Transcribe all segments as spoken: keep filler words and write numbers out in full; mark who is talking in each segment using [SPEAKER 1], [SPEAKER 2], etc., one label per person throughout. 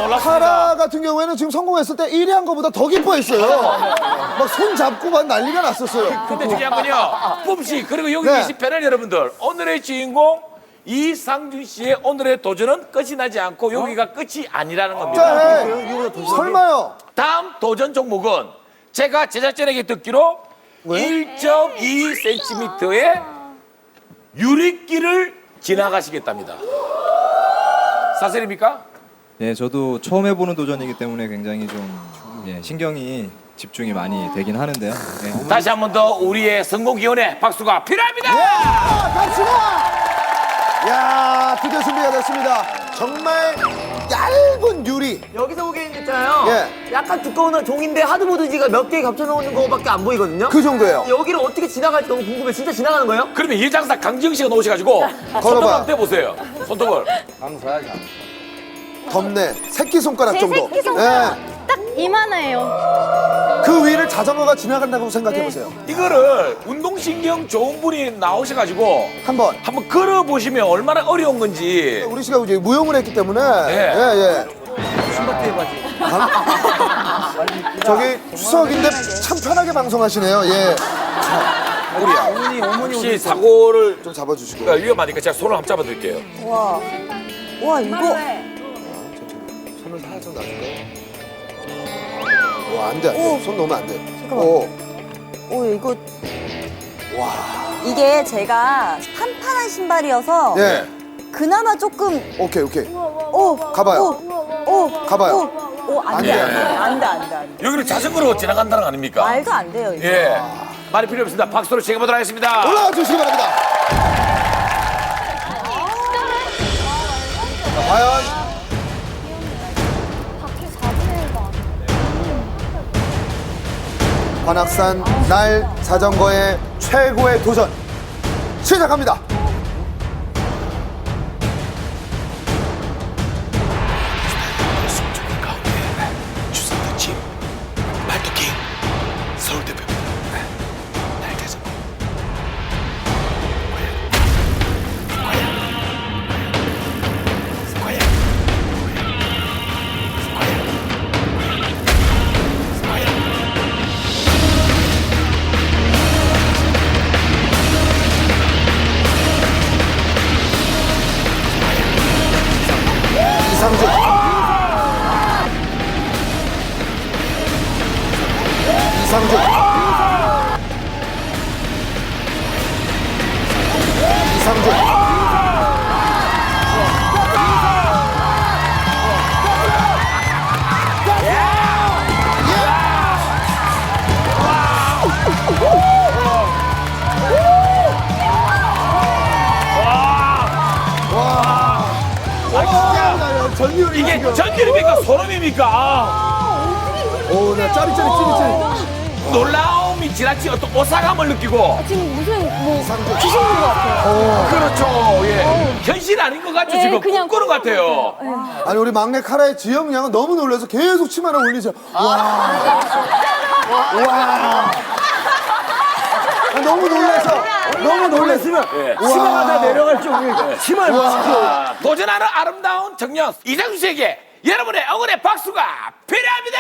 [SPEAKER 1] 놀랐습니다.
[SPEAKER 2] 카라 같은 경우에는 지금 성공했을 때 일 위 한 거보다 더 기뻐했어요. 막 손 잡고 막 난리가 났었어요.
[SPEAKER 1] 근데 중요한 건요, 뿜씨 그리고 여기
[SPEAKER 2] 네.
[SPEAKER 1] 계신 패널 여러분들, 오늘의 주인공 이상준 씨의 오늘의 도전은 끝이 나지 않고 여기가 끝이 아니라는 겁니다.
[SPEAKER 2] 자, 해. 설마요.
[SPEAKER 1] 다음 도전 종목은 제가 제작진에게 듣기로
[SPEAKER 2] 왜?
[SPEAKER 1] 일 점 이 센티미터의 유리길을 지나가시겠답니다. 사실입니까?
[SPEAKER 3] 예, 저도 처음 해보는 도전이기 때문에 굉장히 좀 예, 신경이 집중이 많이 되긴 하는데요. 예.
[SPEAKER 1] 다시 한 번 더 우리의 성공 기원에 박수가 필요합니다.
[SPEAKER 2] 야, 갑시다. 야, 드디어 준비가 됐습니다. 정말 얇은 유리.
[SPEAKER 4] 여기서 보기엔 있잖아요.
[SPEAKER 2] 예.
[SPEAKER 4] 약간 두꺼운 종인데 하드보드지가 몇 개 겹쳐놓은 거밖에 안 보이거든요.
[SPEAKER 2] 그 정도예요.
[SPEAKER 4] 여기를 어떻게 지나갈지 너무 궁금해. 진짜 지나가는 거예요?
[SPEAKER 1] 그러면 이 장사 강지영 씨가 나오셔가지고 손톱 한번 떼보세요. 손톱을.
[SPEAKER 2] 덥네. 새끼손가락
[SPEAKER 5] 제
[SPEAKER 2] 정도.
[SPEAKER 5] 새끼 손가락
[SPEAKER 2] 예.
[SPEAKER 5] 딱 이만해요.
[SPEAKER 2] 그 위를 자전거가 지나간다고 생각해보세요.
[SPEAKER 1] 이거를 운동신경 좋은 분이 나오셔가지고
[SPEAKER 2] 한번.
[SPEAKER 1] 한번 걸어보시면 얼마나 어려운 건지.
[SPEAKER 2] 우리 씨가 이제 무용을 했기 때문에.
[SPEAKER 1] 네.
[SPEAKER 2] 예, 예. 저기 추석인데 참 편하게 방송하시네요. 예.
[SPEAKER 1] 우리야.
[SPEAKER 4] 어머니, 어머니
[SPEAKER 1] 혹시 사고를
[SPEAKER 2] 좀 잡아주시고.
[SPEAKER 1] 그러니까 위험하니까 제가 손을 한번 잡아드릴게요.
[SPEAKER 6] 와, 와 이거
[SPEAKER 2] 손을 살짝 놔줄까요? 와, 안 돼, 안 돼. 손 놓으면 안 돼. 오.
[SPEAKER 6] 오 이거 와 이게 제가 판판한 신발이어서
[SPEAKER 2] 예.
[SPEAKER 6] 그나마 조금
[SPEAKER 2] 오케이, 오케이.
[SPEAKER 6] 오
[SPEAKER 2] 가봐요.
[SPEAKER 6] 오, 오,
[SPEAKER 2] 가봐요.
[SPEAKER 6] 오, 오, 안
[SPEAKER 2] 안
[SPEAKER 6] 돼,
[SPEAKER 2] 돼,
[SPEAKER 6] 안 돼, 안 돼, 안 돼, 안 돼.
[SPEAKER 1] 여기를 자전거로 지나간다는 거 아닙니까?
[SPEAKER 6] 말도 안 돼요. 이거.
[SPEAKER 1] 예. 말이 필요 없습니다. 박수로 지켜보도록 하겠습니다.
[SPEAKER 2] 올라와 주시기 바랍니다. 자, 과연 관악산 날 자전거의 최고의 도전 시작합니다.
[SPEAKER 1] 주상도 집 말뚝기 서울대표 날개서
[SPEAKER 2] 이상준. 이상준. 이상준. 전율이
[SPEAKER 1] 이게
[SPEAKER 2] 지금.
[SPEAKER 1] 전율입니까? 소름입니까? 아,
[SPEAKER 2] 오, 나 짜릿짜릿 찌릿찌릿.
[SPEAKER 1] 놀라움이 지나치 어떤 오사감을 느끼고.
[SPEAKER 5] 지금 무슨 뭐
[SPEAKER 2] 이상준.
[SPEAKER 5] 귀신 본 것 같아요.
[SPEAKER 1] 그렇죠. 예. 현실 아닌 것 같죠?
[SPEAKER 5] 예,
[SPEAKER 1] 지금
[SPEAKER 5] 그냥
[SPEAKER 1] 꿈꾸는 것 같아요.
[SPEAKER 2] 아니, 우리 막내 카라의 지영 양은 너무 놀라서 계속 치마를 올리죠. 와. 와. 아, 너무 놀라서. 너무 놀랐으면.
[SPEAKER 1] 예.
[SPEAKER 2] 치마가 다 내려갈
[SPEAKER 4] 정도니까.
[SPEAKER 2] 치마를
[SPEAKER 1] 아, 도전하는 아름다운 청년 이상준 씨에게 여러분의 응원의 박수가 필요합니다.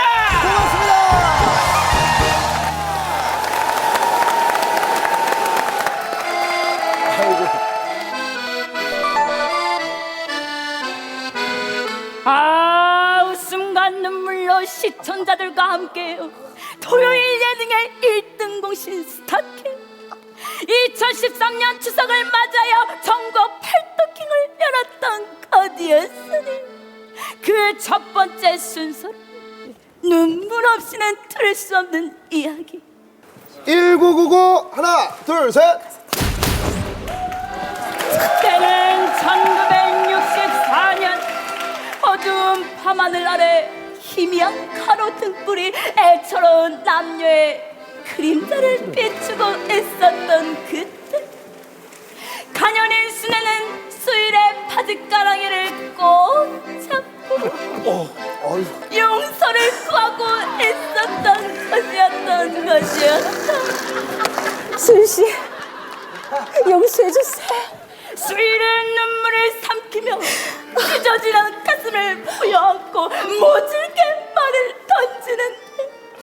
[SPEAKER 7] 아 웃음과 눈물로 시청자들과 함께요 토요일 예능의 일 등 공신 스타킹 이천십삼 년 추석을 맞아요 전국 팔도킹을 열었던 거디였으니 그 첫 번째 순서로 눈물 없이는 들을 수 없는 이야기
[SPEAKER 2] 일구구구 하나, 둘, 셋.
[SPEAKER 7] 때는 천구백육십사 년 어두운 밤하늘 아래 희미한 가로 등불이 애처로운 남녀의 그림자를 비추고 있었던 그때 가녀린 수녀는 수일의 바짓가랑이를 꼭 잡고 용서를 구하고 있었던 것이었던 것이었다.
[SPEAKER 6] 수씨 용서해 주세요.
[SPEAKER 7] 수일은 눈물을 삼키며 찢어지는 가슴을 부여안고 모든